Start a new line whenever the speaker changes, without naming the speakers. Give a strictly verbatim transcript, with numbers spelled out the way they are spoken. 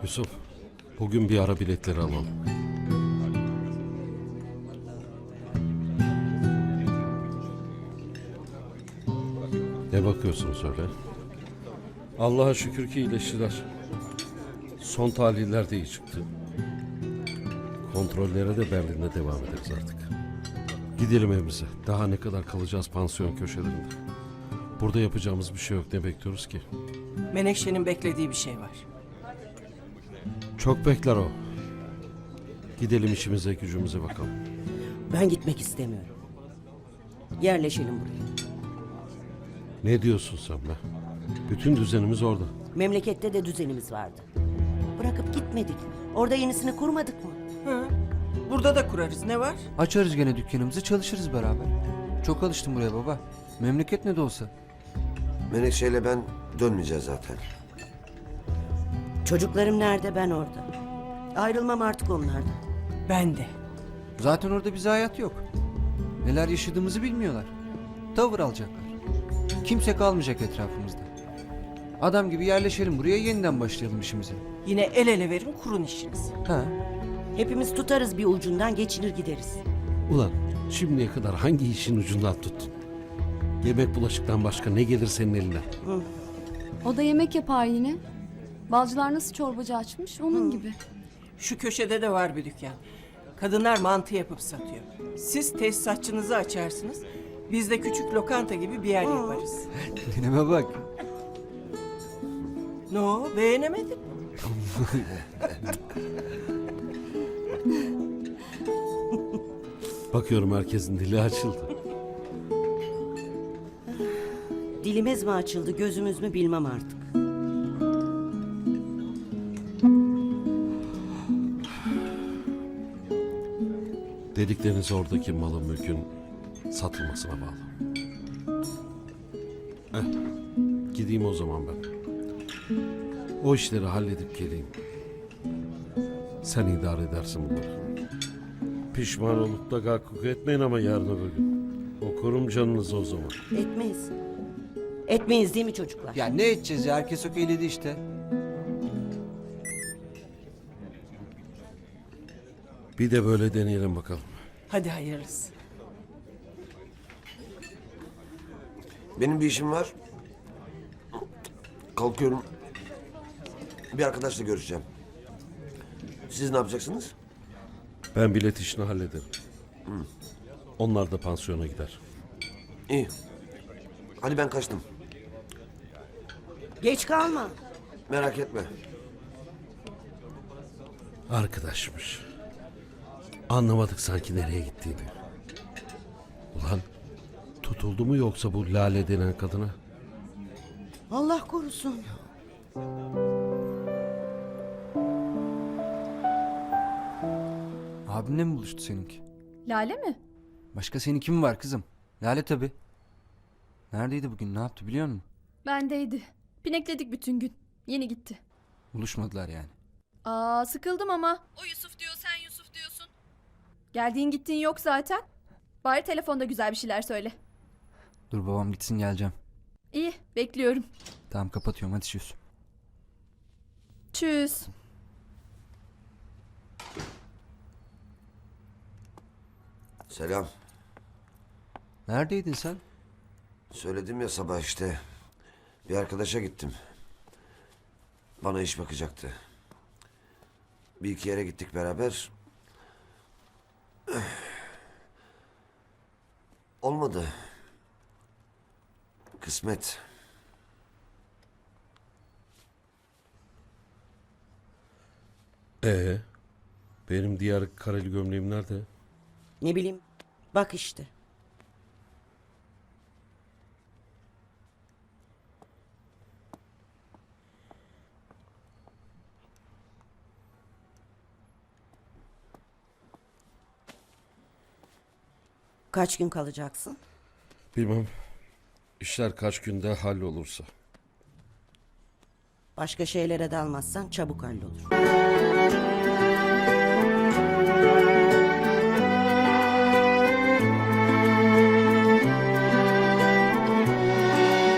Yusuf, bugün bir ara biletleri alalım. Ne bakıyorsun söyle? Allah'a şükür ki iyileştiler. Son tahliller de iyi çıktı. Kontrollere de Berlin'de devam ederiz artık. Gidelim evimize. Daha ne kadar kalacağız pansiyon köşelerinde. Burada yapacağımız bir şey yok. Ne bekliyoruz ki?
Menekşe'nin beklediği bir şey var.
Çok bekler o. Gidelim işimize gücümüze bakalım.
Ben gitmek istemiyorum. Yerleşelim buraya.
Ne diyorsun sen be? Bütün düzenimiz orada.
Memlekette de düzenimiz vardı. Bırakıp gitmedik. Orada yenisini kurmadık mı?
Hı. Burada da kurarız. Ne var?
Açarız gene dükkanımızı, çalışırız beraber. Çok alıştım buraya baba. Memleket ne de olsa.
Menekşe'yle ben dönmeyeceğiz zaten.
Çocuklarım nerede, ben orada. Ayrılmam artık onlardan.
Ben de.
Zaten orada bize hayat yok. Neler yaşadığımızı bilmiyorlar. Tavır alacaklar. Kimse kalmayacak etrafımızda. Adam gibi yerleşelim buraya, yeniden başlayalım işimize.
Yine el ele verin kurun işinizi.
Ha.
Hepimiz tutarız bir ucundan, geçinir gideriz.
Ulan şimdiye kadar hangi işin ucundan tuttun? Yemek bulaşıktan başka ne gelir senin eline?
O da yemek yapar yine. Balcılar nasıl çorbacı açmış onun gibi.
Şu köşede de var bir dükkan. Kadınlar mantı yapıp satıyor. Siz tesisatçınızı açarsınız. Biz de küçük lokanta gibi bir yer yaparız.
Dineme bak.
Ne o? Beğenemedin?
Bakıyorum herkesin dili açıldı.
Dilimiz mi açıldı, gözümüz mü bilmem artık.
Dedikleriniz oradaki malın mülkün satılmasına bağlı. Eh, gideyim o zaman ben. O işleri halledip geleyim. Sen idare edersin bunları. Pişman olup da gakkuk etmeyin ama yarın öbür gün. Okurum canınızı o zaman.
Etmeyiz. Etmeyiz değil mi çocuklar?
Ya ne edeceğiz ya? Herkes okeyledi işte.
Bir de böyle deneyelim bakalım.
Hadi hayırlısı.
Benim bir işim var. Kalkıyorum. Bir arkadaşla görüşeceğim. Siz ne yapacaksınız?
Ben bilet işini hallederim. Onlar da pansiyona gider.
İyi. Hadi ben kaçtım.
Geç kalma.
Merak etme.
Arkadaşmış. Anlamadık sanki nereye gittiğini. Ulan tutuldu mu yoksa bu Lale denen kadına?
Allah korusun.
Abimle mi buluştu seninki?
Lale mi?
Başka senin kim var kızım? Lale tabii. Neredeydi bugün? Ne yaptı biliyor musun?
Bendeydi. Pinekledik bütün gün. Yeni gitti.
Buluşmadılar yani.
Aa sıkıldım ama. O Yusuf diyor, sen Yusuf diyorsun. Geldiğin gittiğin yok zaten. Bari telefonda güzel bir şeyler söyle.
Dur babam gitsin, geleceğim.
İyi, bekliyorum.
Tamam, kapatıyorum, hadi çüz.
Tschüss.
Selam.
Neredeydin sen?
Söyledim ya sabah işte. Bir arkadaşa gittim. Bana iş bakacaktı. Bir iki yere gittik beraber. Olmadı. Kısmet.
Ee, benim diğer kareli gömleğim nerede?
Ne bileyim. Bak işte. Kaç gün kalacaksın?
Bilmem. İşler kaç günde hallolursa.
Başka şeylere dalmazsan çabuk hallolur.